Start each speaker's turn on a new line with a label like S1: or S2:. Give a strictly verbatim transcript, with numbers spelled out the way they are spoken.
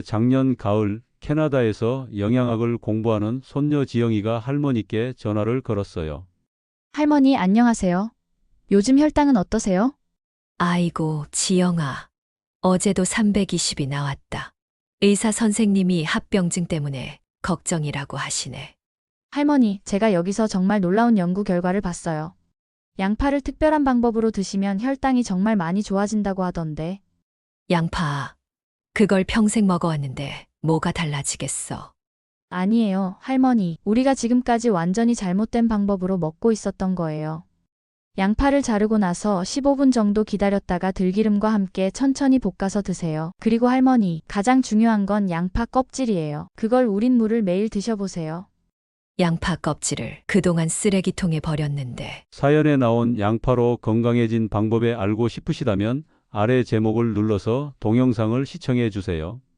S1: 작년 가을 캐나다에서 영양학을 공부하는 손녀 지영이가 할머니께 전화를 걸었어요.
S2: 할머니, 안녕하세요. 요즘 혈당은 어떠세요?
S3: 아이고, 지영아. 어제도 삼백이십이 나왔다. 의사 선생님이 합병증 때문에 걱정이라고 하시네.
S2: 할머니, 제가 여기서 정말 놀라운 연구 결과를 봤어요. 양파를 특별한 방법으로 드시면 혈당이 정말 많이 좋아진다고 하던데.
S3: 양파. 그걸 평생 먹어왔는데 뭐가 달라지겠어.
S2: 아니에요, 할머니. 우리가 지금까지 완전히 잘못된 방법으로 먹고 있었던 거예요. 양파를 자르고 나서 십오 분 정도 기다렸다가 들기름과 함께 천천히 볶아서 드세요. 그리고 할머니, 가장 중요한 건 양파 껍질이에요. 그걸 우린 물을 매일 드셔보세요.
S3: 양파 껍질을 그동안 쓰레기통에 버렸는데
S1: 사연에 나온 양파로 건강해진 방법에 알고 싶으시다면 아래 제목을 눌러서 동영상을 시청해 주세요.